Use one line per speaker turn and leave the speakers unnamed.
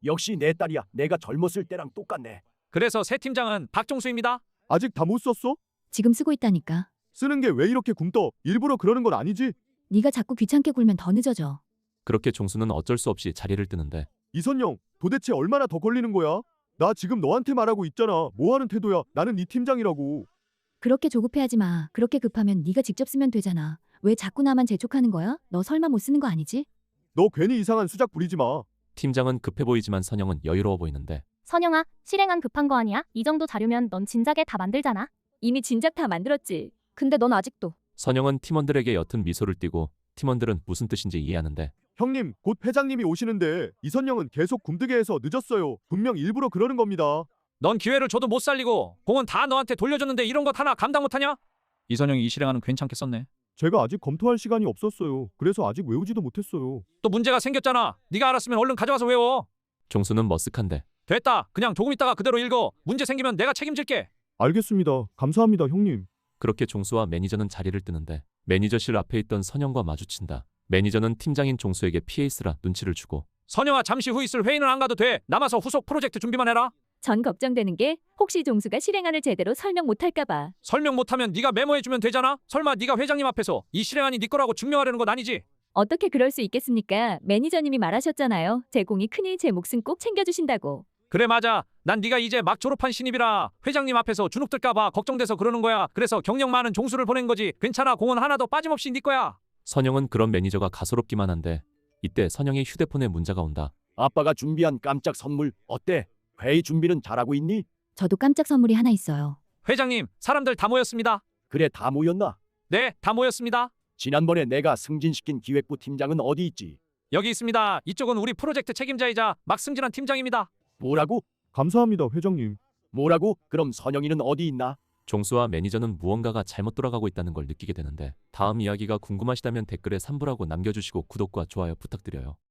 역시 내 딸이야. 내가 젊었을 때랑 똑같네.
그래서 새 팀장은 박종수입니다.
아직 다 못 썼어?
지금 쓰고 있다니까.
쓰는 게 왜 이렇게 굼떠? 일부러 그러는 건 아니지?
네가 자꾸 귀찮게 굴면 더 늦어져.
그렇게 종수는 어쩔 수 없이 자리를 뜨는데
이선영, 도대체 얼마나 더 걸리는 거야? 나 지금 너한테 말하고 있잖아. 뭐 하는 태도야? 나는 네 팀장이라고.
그렇게 조급해하지 마. 그렇게 급하면 네가 직접 쓰면 되잖아. 왜 자꾸 나만 재촉하는 거야? 너 설마 못 쓰는 거 아니지?
너 괜히 이상한 수작 부리지 마.
팀장은 급해 보이지만 선영은 여유로워 보이는데
선영아, 실행안 급한 거 아니야? 이 정도 자료면 넌 진작에 다 만들잖아.
이미 진작 다 만들었지. 근데 넌 아직도.
선영은 팀원들에게 옅은 미소를 띠고 팀원들은 무슨 뜻인지 이해하는데
형님, 곧 회장님이 오시는데 이선영은 계속 굼뜨게 해서 늦었어요. 분명 일부러 그러는 겁니다.
넌 기회를 줘도 못 살리고 공은 다 너한테 돌려줬는데 이런 것 하나 감당 못하냐? 이선영이 이 실행안은 괜찮게 썼네.
제가 아직 검토할 시간이 없었어요. 그래서 아직 외우지도 못했어요.
또 문제가 생겼잖아. 네가 알았으면 얼른 가져와서 외워.
종수는 머쓱한데
됐다. 그냥 조금 있다가 그대로 읽어. 문제 생기면 내가 책임질게.
알겠습니다. 감사합니다, 형님.
그렇게 종수와 매니저는 자리를 뜨는데 매니저실 앞에 있던 선영과 마주친다. 매니저는 팀장인 종수에게 피해 있으라 눈치를 주고
선영아, 잠시 후 있을 회의는 안 가도 돼. 남아서 후속 프로젝트 준비만 해라.
전 걱정되는 게 혹시 종수가 실행안을 제대로 설명 못할까 봐.
설명 못하면 네가 메모해주면 되잖아. 설마 네가 회장님 앞에서 이 실행안이 네 거라고 증명하려는 건 아니지?
어떻게 그럴 수 있겠습니까? 매니저님이 말하셨잖아요. 제 공이 크니 제 몫은 꼭 챙겨주신다고.
그래, 맞아. 난 네가 이제 막 졸업한 신입이라 회장님 앞에서 주눅 들까 봐 걱정돼서 그러는 거야. 그래서 경력 많은 종수를 보낸 거지. 괜찮아. 공은 하나도 빠짐없이 네 거야.
선영은 그런 매니저가 가소롭기만 한데 이때 선영의 휴대폰에 문자가 온다.
아빠가 준비한 깜짝 선물 어때? 회의 준비는 잘하고 있니?
저도 깜짝 선물이 하나 있어요.
회장님, 사람들 다 모였습니다.
그래, 다 모였나?
네, 다 모였습니다.
지난번에 내가 승진시킨 기획부 팀장은 어디 있지?
여기 있습니다. 이쪽은 우리 프로젝트 책임자이자 막 승진한 팀장입니다.
뭐라고?
감사합니다, 회장님.
뭐라고? 그럼 선영이는 어디 있나?
종수와 매니저는 무언가가 잘못 돌아가고 있다는 걸 느끼게 되는데 다음 이야기가 궁금하시다면 댓글에 3부라고 남겨주시고 구독과 좋아요 부탁드려요.